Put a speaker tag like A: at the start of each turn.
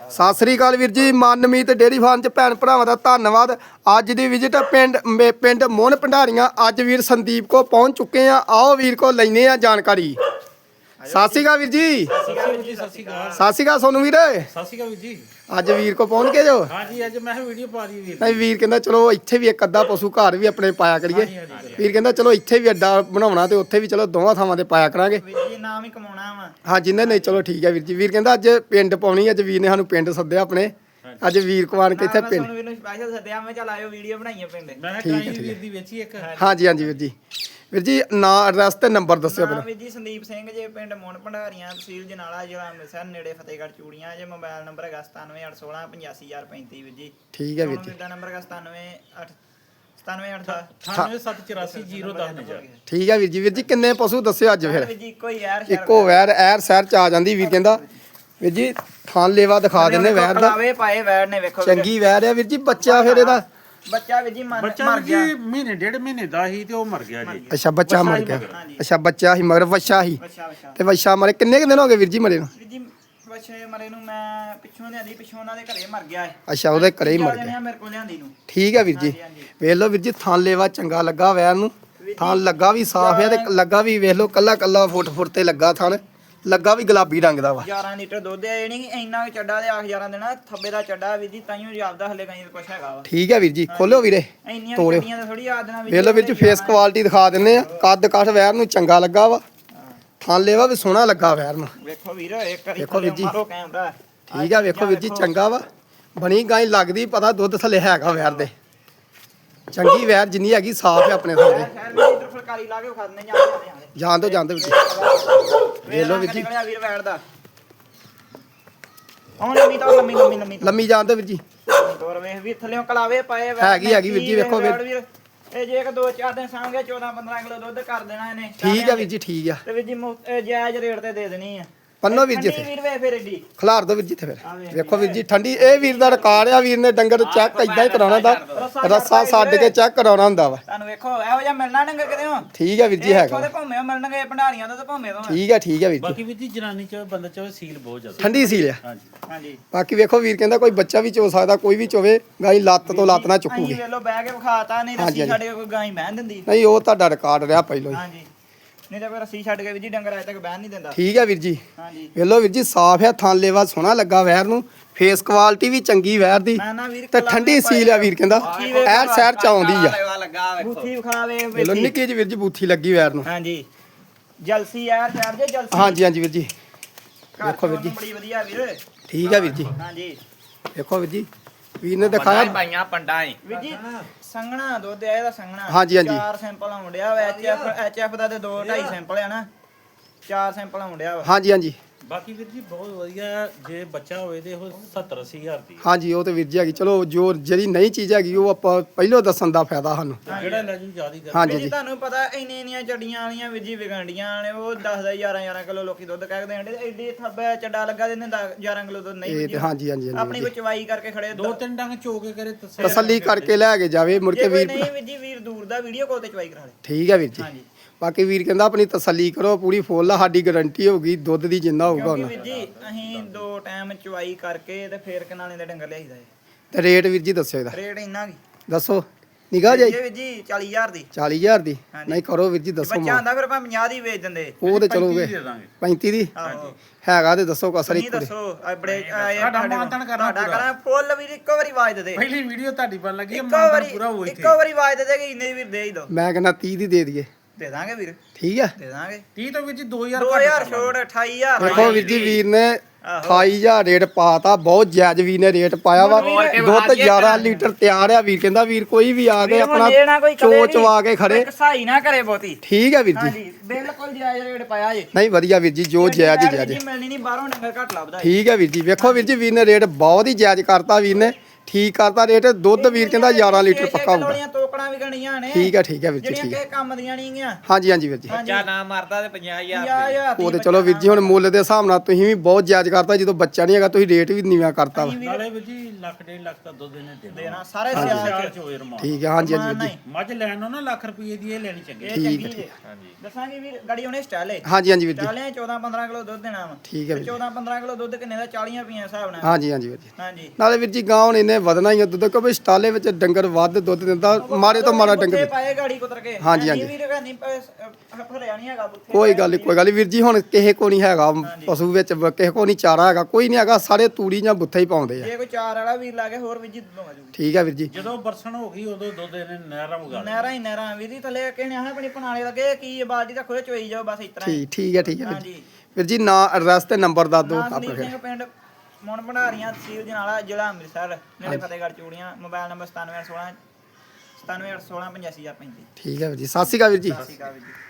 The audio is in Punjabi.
A: ਸਤਿ ਸ੍ਰੀ ਅਕਾਲ ਵੀਰ ਜੀ। ਮਨਮੀਤ ਡੇਅਰੀ ਫਾਰਮ ਚ ਭੈਣ ਭਰਾਵਾਂ ਦਾ ਧੰਨਵਾਦ। ਅੱਜ ਦੀ ਵਿਜ਼ਿਟ ਪਿੰਡ ਮੋਹਨ ਭੰਡਾਰੀਆਂ। ਅੱਜ ਵੀਰ ਸੰਦੀਪ ਕੋ ਪਹੁੰਚ ਚੁੱਕੇ ਆ। ਆਓ ਵੀਰ ਕੋ ਲੈਨੇ ਆ ਜਾਣਕਾਰੀ। ਸਤਿ ਸ੍ਰੀ ਅਕਾਲ ਵੀਰ ਜੀ।
B: ਸਤਿ ਸ਼੍ਰੀ
A: ਅਕਾਲ ਸੋਨੂੰ ਵੀਰ।
B: ਸਤਿ ਸ਼੍ਰੀ ਅਕਾਲ ਵੀਰ ਜੀ।
A: ਅੱਜ ਵੀਰ ਕੋ ਪਹੁੰਚ ਗਏ ਜੋ?
B: ਹਾਂਜੀ ਅੱਜ ਮੈਂ ਵੀਡੀਓ ਪਾ ਰਹੀ ਵੀਰ।
A: ਨਹੀਂ ਵੀਰ ਕਹਿੰਦਾ ਚਲੋ ਇੱਥੇ ਵੀ ਇੱਕ ਅੱਧਾ ਪਸ਼ੂ ਘਰ ਵੀ ਆਪਣੇ ਪਾਇਆ ਕਰੀਏ। ਵੀਰ ਕਹਿੰਦਾ ਚਲੋ ਇੱਥੇ ਵੀ ਅੱਡਾ ਬਣਾਉਣਾ ਤੇ ਉੱਥੇ ਵੀ ਚਲੋ ਦੋਵਾਂ ਥਾਵਾਂ ਤੇ ਪਾਇਆ ਕਰਾਂਗੇ।
C: ਵੀਰ ਜੀ ਨਾਮ ਹੀ ਕਮਾਉਣਾ ਵਾ।
A: ਹਾਂ ਜਿੰਨੇ ਨਹੀਂ ਚਲੋ ਠੀਕ ਹੈ ਵੀਰ ਜੀ। ਵੀਰ ਕਹਿੰਦਾ ਅੱਜ ਪਿੰਡ ਪਾਉਣੀ। ਅੱਜ ਵੀਰ ਨੇ ਸਾਨੂੰ ਪਿੰਡ ਸੱਦਿਆ ਆਪਣੇ। ਅੱਜ ਵੀਰ ਕੁਮਾਰ ਕੇ ਇੱਥੇ ਪਿੰਡ
C: ਤੁਹਾਨੂੰ ਵੀਰ ਨੂੰ ਸਪੈਸ਼ਲ ਸੱਦਿਆ। ਮੈਂ ਚੱਲ ਆਇਓ ਵੀਡੀਓ ਬਣਾਈਏ ਪਿੰਡ।
B: ਮੈਂ ਕਰਾਈ ਵੀਰ ਦੀ ਵੇਚੀ ਇੱਕ।
A: ਹਾਂਜੀ ਹਾਂਜੀ ਵੀਰ ਜੀ। ਵੀਰ ਜੀ ਨਾਂ ਐਡਰੈਸ ਤੇ ਨੰਬਰ ਦੱਸਿਓ ਪਹਿਲਾਂ।
C: ਵੀਰ ਜੀ ਸੰਦੀਪ ਸਿੰਘ ਜੇ ਪਿੰਡ ਮੋਹਨ ਭੰਡਾਰੀਆਂ ਤਹਿਸੀਲ ਜਨਾਲਾ ਜ਼ਿਲ੍ਹਾ ਅੰਮ੍ਰਿਤਸਰ ਨੇੜੇ ਫਤਿਹਗੜ੍ਹ ਚੂੜੀਆਂ ਜੇ। ਮੋਬਾਈਲ ਨੰਬਰ ਹੈਗਾ 9781685035 ਵੀਰ ਜੀ।
A: ਠੀਕ ਹੈ ਵੀਰ ਜੀ।
C: ਦਾ ਨੰਬਰ ਹੈਗਾ 9787
B: 97840010
A: ਠੀਕ ਹੈ ਵੀਰ ਜੀ। ਵੀਰ ਜੀ ਕਿੰਨੇ ਪਸ਼ੂ ਦੱਸਿਓ ਅੱਜ ਫਿਰ?
C: ਵੀਰ ਜੀ ਇੱਕੋ ਹੀ ਯਾਰ
A: ਇੱਕੋ ਵੈਰ ਐਰ ਸ਼ਹਿਰ ਚ ਆ ਜਾਂਦੀ। ਵੀਰ ਕਹਿੰਦਾ ਵੀਰ ਜੀ ਥਾਂ ਲੇਵਾ ਦਿਖਾ ਦਿੰਨੇ ਵੈਰ ਦਾ।
C: ਲਾਵੇ ਪਾਏ ਵੈਰ ਨੇ ਵੇਖੋ
A: ਚੰਗੀ ਵੈਰ ਆ ਵੀਰ ਜੀ। ਬੱਚਾ ਫਿਰ ਇਹਦਾ
C: ਬੱਚਾ ਵੀਰ ਜੀ
B: ਬੱਚਾ
C: ਮਰ ਗਿਆ।
B: ਜੀ ਮਹੀਨੇ ਡੇਢ ਮਹੀਨੇ ਦਾ ਹੀ ਤੇ ਉਹ ਮਰ ਗਿਆ ਜੀ।
A: ਅੱਛਾ ਬੱਚਾ ਮਰ ਗਿਆ। ਅੱਛਾ ਬੱਚਾ ਹੀ ਮਗਰ ਵੱਛਾ ਹੀ
C: ਬੱਚਾ
A: ਤੇ ਵੱਛਾ ਮਰੇ ਕਿੰਨੇ ਕੁ ਦਿਨ ਹੋ ਗਏ ਵੀਰ ਜੀ ਮਰੇ ਨੂੰ?
C: ਵੀਰ ਜੀ ਬੱਚੇ ਮਰੇ ਨੂੰ ਮੈਂ ਪਿੱਛੋਂ ਲਿਆਂਦੀ। ਪਿੱਛੋਂ ਉਹਨਾਂ ਦੇ ਘਰੇ ਮਰ ਗਿਆ ਹੈ।
A: ਅੱਛਾ ਉਹਦੇ ਘਰੇ ਹੀ ਮਰ ਗਿਆ।
C: ਮੇਰੇ ਕੋਲ ਲਿਆਂਦੀ ਨੂੰ।
A: ਠੀਕ ਹੈ ਵੀਰ ਜੀ। ਵੇਖ ਲਓ ਵੀਰ ਜੀ ਥਾਂ ਲੇਵਾ ਚੰਗਾ ਲੱਗਾ ਵੈਰ ਨੂੰ। ਥਾਂ ਲੱਗਾ ਵੀ ਸਾਫ਼ ਹੈ ਤੇ ਲੱਗਾ ਵੀ ਵੇਖ ਲਓ ਕੱਲਾ ਕੱਲਾ ਫੁੱਟ ਤੇ ਲੱਗਾ ਥਣ। ਲੱਗਾ ਵੀ ਗੁਲਾਬੀ ਰੰਗ ਦਾ ਵਾ।
C: 11 ਲੀਟਰ ਦੁੱਧ ਹੈ। ਇਹ ਨਹੀਂ ਇੰਨਾ ਚੱਡਾ ਦੇ 11 ਦੇਣਾ ਥੱਬੇ ਦਾ ਚੱਡਾ ਵੀਰ ਜੀ। ਤਾਈਓ ਜਾਪਦਾ ਹਲੇ ਕਹੀਂ ਕੁਛ ਹੈਗਾ ਵਾ।
A: ਠੀਕ ਹੈ ਵੀਰ ਜੀ। ਖੋਲੋ ਵੀਰੇ
C: ਇੰਨੀਆਂ
A: ਤੋੜਿਓ।
C: ਗੱਡੀਆਂ ਤਾਂ ਥੋੜੀ ਯਾਦ ਦੇਣਾ
A: ਵੇਖ ਲਓ ਵੀਰ ਜੀ ਫੇਸ ਕੁਆਲਿਟੀ ਦਿਖਾ ਦਿੰਨੇ ਆ। ਕੱਦ ਕਾਠ ਵੈਰ ਨੂੰ ਚੰਗਾ ਲੱਗਾ ਵਾ। ਥਾਂ ਲੇਵਾ ਵੀ ਸੋਹਣਾ ਲੱਗਾ ਵੈਰ ਨੂੰ।
C: ਵੇਖੋ ਵੀਰ ਇੱਕ ਵਾਰੀ
A: ਵੇਖੋ ਵੀਰ ਜੀ।
C: ਮਾਰੋ ਕੈਮਰਾ।
A: ਠੀਕ ਆ ਵੇਖੋ ਵੀਰ ਜੀ ਚੰਗਾ ਵਾ। ਬਣੀ ਗਾਂ ਲੱਗਦੀ ਪਤਾ ਦੁੱਧ ਥੱਲੇ ਹੈਗਾ ਵੈਰ ਦੇ। ਚੰਗੀ ਵੈਰ ਜਿੰਨੀ ਹੈਗੀ ਸਾਫ਼ ਹੈ ਆਪਣੇ ਥਾਂ ਦੇ।
C: ਸ਼ਹਿਰ ਵਿੱਚ ਇਧਰ ਫੁਲਕਾਰੀ ਲਾ ਕੇ ਖਾਣੇ ਜਾਂਦੇ
A: ਜਾਣ ਦੋ ਵੀਰ ਜੀ। ਵੇਖ ਲਓ ਵੀਰ ਜੀ
C: ਨਿਕਲਿਆ ਵੀਰ ਵੈੜ ਦਾ। ਹੁਣ ਲੰਮੀ
A: ਲੰਮੀ ਜਾਣ ਦੋ ਵੀਰ ਜੀ।
C: ਤੋਰ ਵੇਖ ਵੀ ਥੱਲੇੋਂ ਕਲਾਵੇ ਪਾਏ
A: ਹੈਗੀ ਵੀਰ ਜੀ ਵੇਖੋ ਵੀਰ।
C: ਇਹ ਜੇ ਇੱਕ 2-4 ਦਿਨ ਸਾਂਗੇ 14-15 ਕਿਲੋ ਦੁੱਧ ਕਰ ਦੇਣਾ ਇਹਨੇ।
A: ਠੀਕ ਆ ਵੀਰ ਜੀ ਠੀਕ ਆ।
C: ਤੇ ਵੀਰ ਜੀ ਜਾਇਜ਼ ਰੇਟ ਤੇ ਦੇ ਦੇਣੀ ਆ।
A: ਪੰਨੋ ਵੀਰ ਜੀ
C: ਵੀਰ ਵੇ ਫਿਰ ਏਡੀ
A: ਖਲਾਰ ਦੋ ਵੀਰ ਜੀ ਤੇ ਫਿਰ ਵੇਖੋ ਵੀਰ ਜੀ ਠੰਡੀ। ਇਹ ਵੀਰ ਦਾ ਰਿਕਾਰਡ ਆ। ਵੀਰ ਨੇ ਡੰਗਰ ਚੈੱਕ ਇਦਾਂ ਹੀ ਕਰਾਉਣਾ ਦਾ। ਰੱਸਾ ਛੱਡ ਕੇ ਚੈੱਕ ਕਰਾਉਣਾ ਹੁੰਦਾ ਵਾ।
C: ਤੁਹਾਨੂੰ ਵੇਖੋ ਇਹੋ ਜਿਹਾ ਮਿਲਣਾ ਡੰਗਰ ਕਿਤੇ ਹੋ।
A: ਠੀਕ ਆ ਵੀਰ ਜੀ ਹੈਗਾ।
C: ਉਹਦੇ ਭੌਵੇਂ ਮਿਲਣਗੇ ਭੰਡਾਰੀਆਂ ਤੋਂ ਤੇ ਭੌਵੇਂ ਤੋਂ।
A: ਠੀਕ ਆ ਵੀਰ ਜੀ।
B: ਬਾਕੀ ਵੀਰ ਜੀ ਜਨਾਨੀ ਚ ਬੰਦਾ ਚ ਸੀਲ ਬਹੁਤ ਜ਼ਿਆਦਾ
A: ਠੰਡੀ ਸੀਲ ਆ।
B: ਹਾਂਜੀ
C: ਹਾਂਜੀ
A: ਬਾਕੀ ਵੇਖੋ ਵੀਰ ਕਹਿੰਦਾ ਕੋਈ ਬੱਚਾ ਵੀ ਚੋ ਸਕਦਾ ਕੋਈ ਵੀ ਚੋਵੇ। ਗਾਈ ਲੱਤ ਤੋਂ ਲੱਤ ਨਾ ਚੁੱਕੂਗੀ।
C: ਅਸੀਂ ਵੇਲੋ ਬਹਿ ਕੇ ਵਿਖਾਤਾ ਨਹੀਂ ਰੱਸੀ ਛੱਡ ਕੇ ਕੋਈ ਗਾਂ ਹੀ ਬਹਿਣ ਦਿੰਦੀ।
A: ਨਹੀਂ ਉਹ ਤੁਹਾਡਾ ਰਿਕਾਰਡ ਰਿਹਾ ਪਹਿਲਾਂ ਹੀ।
C: ਹਾਂਜੀ ਨਹੀਂ ਤਾਂ ਕੋਈ ਰੱਸੀ ਛੱਡ ਕੇ ਵੀ ਜੀ ਡੰਗਰ ਅਜੇ ਤੱਕ ਬਹਿਣ ਨਹੀਂ ਦਿੰਦਾ।
A: ਠੀਕ ਆ ਵੀਰ ਜੀ।
C: ਹਾਂਜੀ
A: ਵੇਖ ਲਓ ਵੀਰ ਜੀ ਸਾਫ਼ ਆ। ਥਾਂ ਲੇਵਾ ਸੋਹਣਾ ਲੱਗਾ ਵੈਰ ਨੂੰ। ਫੇਸ ਕੁਆਲਿਟੀ ਵੀ ਚੰਗੀ ਵੈਰ ਦੀ
C: ਮੈਂ ਨਾ ਵੀਰ
A: ਤੇ ਠੰਡੀ ਸੀਲ ਆ। ਵੀਰ ਕਹਿੰਦਾ ਐਰ ਸ਼ਹਿਰ ਚ ਆਉਂਦੀ ਆ।
C: ਬੂਥੀ ਵਿਖਾਵੇ
A: ਵੇਖ ਲਓ ਨਿੱਕੀ ਜਿਹੀ ਵੀਰ ਜੀ ਬੂਥੀ ਲੱਗੀ ਵੈਰ ਨੂੰ।
C: ਹਾਂਜੀ ਜਲਸੀ ਯਾਰ ਸ਼ਹਿਰ ਜੇ ਜਲਸੀ।
A: ਹਾਂਜੀ ਵੀਰ ਜੀ ਵੇਖੋ ਵੀਰ ਜੀ।
C: ਬੜੀ ਵਧੀਆ ਵੀਰ।
A: ਠੀਕ ਆ ਵੀਰ ਜੀ।
C: ਹਾਂਜੀ
A: ਵੇਖੋ ਵੀਰ ਜੀ ਵੀਰ ਨੇ ਦਿਖਾਇਆ
D: ਪਾਈਆਂ ਪੰਡਾਂ ਏ
C: ਵੀਰ ਜੀ ਸੰਘਣਾ ਦੁੱਧ ਆ ਇਹਦਾ ਸੰਘਣਾ।
A: ਹਾਂਜੀ।
C: 4 ਸੈਂਪਲ ਆਉਂਦਿਆ ਵਾ। ਐਚਐਫ ਦਾ ਤੇ 2.5 ਸੈਂਪਲ ਆ ਨਾ। 4 ਸੈਂਪਲ ਆਉਂਦਿਆ ਵਾ।
A: ਹਾਂਜੀ
B: ਬਾਕੀ ਵੀਰ ਜੀ ਬਹੁਤ ਵਧੀਆ। ਜੇ ਬੱਚਾ ਹੋਵੇ ਤੇ ਉਹ 70-80 ਹਜ਼ਾਰ ਦੀ
A: ਹਾਂਜੀ ਉਹ ਤੇ ਵੀਰ ਜੀ ਹੈਗੀ। ਚਲੋ ਜੋ ਜਿਹੜੀ ਨਈ ਚੀਜ਼ ਹੈਗੀ ਉਹ ਆਪਾਂ ਪਹਿਲਾਂ ਦੱਸਣ ਦਾ ਫਾਇਦਾ ਸਾਨੂੰ।
B: ਜਿਹੜਾ ਲੈ ਜੂ ਜਿਆਦਾ ਕਰ।
A: ਹਾਂਜੀ
C: ਜੀ ਤੁਹਾਨੂੰ ਪਤਾ ਇੰਨੀਆਂ ਚੱਡੀਆਂ ਵਾਲੀਆਂ ਵੀਰ ਜੀ ਵਿਗੰਡੀਆਂ ਨੇ। ਉਹ 10 11 ਕਿਲੋ ਲੋਕੀ ਦੁੱਧ ਕਹਿ ਦੇਣ। ਐਡੀ ਥੱਬੇ ਚੱਡਾ ਲੱਗਾ ਦਿੰਦੇ 11 ਕਿਲੋ ਦੁੱਧ ਨਹੀਂ
A: ਇਹ ਤੇ ਹਾਂਜੀ
C: ਆਪਣੀ ਕੋਈ ਚਵਾਈ ਕਰਕੇ ਖੜੇ
B: 2-3 ਡੰਗ ਚੋ ਕੇ ਕਰੇ
A: ਤਸੱਲੀ ਕਰਕੇ ਲੈ ਕੇ ਜਾਵੇ ਮੁੜ ਕੇ ਵੀਰ।
C: ਨਹੀਂ ਵੀਰ ਜੀ ਵੀਰ ਦੂਰ ਦਾ ਵੀਡੀਓ ਕਾਲ ਤੇ ਚਵਾਈ ਕਰਾ ਦੇ।
A: ਠੀਕ ਹੈ ਵੀਰ ਜੀ।
C: ਹਾਂਜੀ
A: ਬਾਕੀ ਵੀਰ ਕਹਿੰਦਾ ਆਪਣੀ ਤਸੱਲੀ ਕਰੋ ਪੂਰੀ ਫੁੱਲ ਆ। ਸਾਡੀ ਗਾਰੰਟੀ ਹੋਊਗੀ ਦੁੱਧ ਦੀ ਜਿੰਨਾ ਹੋਊਗਾ
C: ਕਿਉਂਕਿ
A: ਉਹਨਾਂ।
C: ਵੀਰ ਜੀ ਅਸੀਂ 2 ਟਾਈਮ ਚਵਾਈ ਕਰਕੇ ਤੇ ਫੇਰ ਕਨਾਲੇ ਦੇ ਡੰਗਰ ਲਿਆਈਦਾ ਏ।
A: ਤੇ ਰੇਟ ਵੀਰ ਜੀ ਦੱਸਿਓ ਇਹਦਾ।
C: ਰੇਟ ਇੰਨਾ ਕੀ
A: ਦੱਸੋ ਨਿਗਾਹ ਜਾਈ।
C: ਵੀਰ ਜੀ 40000 ਦੀ
A: 40000 ਦੀ। ਨਹੀਂ ਕਰੋ ਵੀਰ ਜੀ ਦੱਸੋ।
C: ਬੱਚਾ ਹੁੰਦਾ ਫਿਰ ਆਪਾਂ 50 ਦੀ ਵੇਚ ਦਿੰਦੇ।
A: ਉਹ ਤੇ ਚਲੋਗੇ 35 ਦੀ
C: ਆਹੋ
A: ਹੈਗਾ ਤੇ ਦੱਸੋ ਕਸਰ
C: ਨਹੀਂ
A: ਇੱਕ ਦੇ।
C: ਦੱਸੋ ਆ ਬੜੇ
B: ਸਾਡਾ ਮਾਨਤਾਨ ਕਰਨਾ
C: ਕਰਾਂ ਫੁੱਲ ਵੀਰ ਇੱਕੋ ਵਾਰੀ ਆਵਾਜ਼ ਦੇ ਦੇ।
B: ਪਹਿਲੀ ਵੀਡੀਓ ਤੁਹਾਡੀ ਬਣ ਲੱਗੀ
C: ਇੱਕੋ ਵਾਰੀ ਇੱਕੋ ਵਾਰੀ ਆਵਾਜ਼ ਦੇ ਦੇ ਕਿ ਇੰਨੇ ਵੀਰ ਦੇ ਹੀ ਦੋ।
A: ਮੈਂ ਕਹਿੰਦਾ 30 ਦੀ ਦੇ ਦਈਏ।
C: ਦੇ ਦਾਂਗੇ ਵੀਰ
A: ਠੀਕ ਆ
C: ਦੇ ਦਾਂਗੇ
B: 30 ਤੋਂ ਵੀਰ ਜੀ 2000
C: 2000 ਛੋੜ 28000
A: ਦੇਖੋ ਵੀਰ ਜੀ ਵੀਰ ਨੇ 28000 ਰੇਟ ਪਾਤਾ। ਬਹੁਤ ਜਾਇਜ਼ ਵੀਰ ਨੇ ਰੇਟ ਪਾਇਆ ਵਾ। ਦੁੱਧ 11 ਲੀਟਰ ਤਿਆਰ ਆ। ਵੀਰ ਕਹਿੰਦਾ ਵੀਰ ਕੋਈ ਵੀ ਆ ਕੇ ਆਪਣਾ ਚੋਚਵਾ ਕੇ ਖੜੇ
C: ਸਹਾਈ ਨਾ ਕਰੇ ਬਹੁਤੀ।
A: ਠੀਕ ਆ ਵੀਰ ਜੀ।
C: ਹਾਂਜੀ ਬਿਲਕੁਲ ਜਾਇਜ਼ ਰੇਟ ਪਾਇਆ ਜੇ।
A: ਨਹੀਂ ਵਧੀਆ ਵੀਰ ਜੀ ਜੋ ਜਾਇਜ਼ ਜਾਇਜ਼।
C: ਜੀ ਮਿਲਣੀ ਨਹੀਂ ਬਾਹਰੋਂ ਡੰਗਰ ਘੱਟ ਲੱਭਦਾ।
A: ਠੀਕ ਆ ਵੀਰ ਜੀ। ਵੇਖੋ ਵੀਰ ਜੀ ਵੀਰ ਨੇ ਰੇਟ ਬਹੁਤ ਹੀ ਜਾਇਜ਼ ਕਰਤਾ। ਵੀਰ ਨੇ ਠੀਕ ਕਰਤਾ ਰੇਟ। ਦੁੱਧ ਵੀਰ ਕਹਿੰਦਾ 11 ਲੀਟਰ ਪੱਕਾ ਹੋਊਗਾ।
C: ਤੋਕੜਾਂ ਵੀ ਗਣੀਆਂ ਨੇ
A: ਠੀਕ ਹੈ ਵੀਰ ਜੀ
C: ਜਿਹੜੀਆਂ
A: ਠੀਕ ਹੈ
C: ਕਿਸੇ ਕੰਮ ਦੀਆਂ ਨਹੀਂ ਗੀਆਂ
A: ਹਾਂਜੀ ਹਾਂਜੀ ਵੀਰ ਜੀ
C: ਬੱਚਾ ਨਾ ਮਰਦਾ ਤੇ 50000
A: ਉਹ ਤੇ ਚਲੋ ਵੀਰ ਜੀ ਹੁਣ ਮੁੱਲ ਦੇ ਹਿਸਾਬ ਨਾਲ ਤੁਸੀਂ ਵੀ ਬਹੁਤ ਜਾਇਜ਼ ਕਰਤਾ ਜਦੋਂ ਬੱਚਾ ਨਹੀਂ ਹੈਗਾ ਤੁਸੀਂ ਰੇਟ ਵੀ ਨੀਵਾਂ ਕਰਤਾ ਵਾ
B: ਨਾਲੇ ਵੀਰ ਜੀ ਲੱਖ 1.5 ਲੱਖ ਦਾ ਦੁੱਧ ਇਹਨੇ
C: ਦੇਣਾ ਸਾਰੇ ਸਿਆਲ
B: ਚ ਹੋਏ ਰਮਾਨ
A: ਠੀਕ ਹੈ ਹਾਂਜੀ ਹਾਂਜੀ ਵੀਰ ਜੀ
B: ਮੱਝ ਲੈਣ ਨੂੰ ਨਾ ਲੱਖ ਰੁਪਏ ਦੀ ਇਹ ਲੈਣੀ ਚੰਗੀ
C: ਇਹ ਚੰਗੀ ਜੇ ਦੱਸਾਂਗੇ ਵੀਰ ਗਾੜੀ ਉਹਨੇ ਸਟਾਲੇ
A: ਹਾਂਜੀ ਹਾਂਜੀ ਵੀਰ ਜੀ
C: ਸਟਾਲੇ 14-15 ਕਿਲੋ ਦੁੱਧ ਦੇਣਾ ਵਾ
A: ਠੀਕ ਹੈ ਵੀਰ ਜੀ
C: 14-15 ਕਿਲੋ ਦੁੱਧ ਕਿੰਨੇ ਦਾ 40 ਰੁਪਏ ਹਿਸਾਬ ਨਾਲ
A: ਹਾਂਜੀ ਹਾਂਜੀ ਵੀਰ ਜੀ
C: ਹਾਂਜੀ
A: ਨਾਲੇ ਵੀਰ ਜੀ ਗਾਂ ਹੁਣ ਇਹਨੇ ਵਧਣਾ ਹੀ ਆ ਦੁੱਧ ਕਿਉਂਕਿ ਸਟਾਲੇ ਵਿੱਚ ਡੰਗਰ ਵੱਧ ਦੁੱਧ ਦਿੰਦਾ ਮਾਰੇ ਤੋਂ ਮਾਰਾ ਡੰਗਰ
C: ਪਾਏ ਗਾੜੀ ਕੁਤਰ ਕੇ
A: ਹਾਂਜੀ, ਹਾਂਜੀ।
C: ਵੀਰ ਨਹੀਂ ਫਰਿਆ ਨਹੀਂ ਹੈਗਾ ਬੁੱਥੇ
A: ਕੋਈ ਗੱਲ ਨੀ ਵੀਰ ਜੀ ਹੁਣ ਕਿਸੇ ਕੋ ਨਹੀਂ ਹੈਗਾ ਪਸ਼ੂ ਵਿੱਚ ਕਿਸੇ ਕੋ ਨਹੀਂ ਚਾਰਾ ਹੈਗਾ ਕੋਈ ਨਹੀਂ ਹੈਗਾ ਸਾਰੇ ਤੂੜੀ ਜਾਂ ਬੁੱਥਾ ਹੀ ਪਾਉਂਦੇ ਆ
C: ਜੇ ਕੋਈ ਚਾਰ ਵਾਲਾ ਵੀਰ ਲਾ ਕੇ ਹੋਰ ਵੀ ਜਿੱਦ ਆ ਜੂਗੀ
A: ਠੀਕ ਹੈ ਵੀਰ ਜੀ
B: ਜਦੋਂ ਬਰਸਣ ਹੋ ਗਈ ਉਦੋਂ ਦੁੱਧ ਇਹਨੇ ਨਹਿਰਾਂ ਵਗਾ ਲਿਆ।
C: ਨਹਿਰਾਂ ਹੀ ਨਹਿਰਾਂ ਵੀਰ ਜੀ ਥੱਲੇ ਕਿਸੇ ਨੇ ਆਪਣੀ ਪਨਾਲੇ ਲੱਗੇ ਕੀ ਬਾਲਟੀ ਰੱਖੋ ਚੋਈ ਜਾਓ ਬਸ ਇਸ ਤਰ੍ਹਾਂ ਹੀ
A: ਠੀਕ ਹੈ ਵੀਰ ਜੀ
C: ਹਾਂਜੀ
A: ਵੀਰ ਜੀ ਨਾਂ ਐਡਰੈਸ ਤੇ ਨੰਬਰ ਦੱਸ ਦਿਓ
C: ਸੰਦੀਪ
A: ਆਪਣੇ
C: ਸਿੰਘ ਪਿੰਡ ਮੁੰਨ ਭੰਡਾਰੀਆਂ ਤਹਿਸੀਲ ਜਨਾਲਾ ਜ਼ਿਲ੍ਹਾ ਅੰਮ੍ਰਿਤਸਰ ਨੇੜੇ ਫਤਿਹਗੜ੍ਹ ਚੂੜੀਆਂ ਮੋਬਾਈਲ ਨੰਬਰ 9716 97816 85035
A: ਠੀਕ ਹੈ ਵੀਰ ਜੀ ਸਤਿ ਸ਼੍ਰੀ ਅਕਾਲ ਵੀਰ ਜੀ
C: ਸਤਿ ਸ਼੍ਰੀ ਅਕਾਲ ਵੀਰ ਜੀ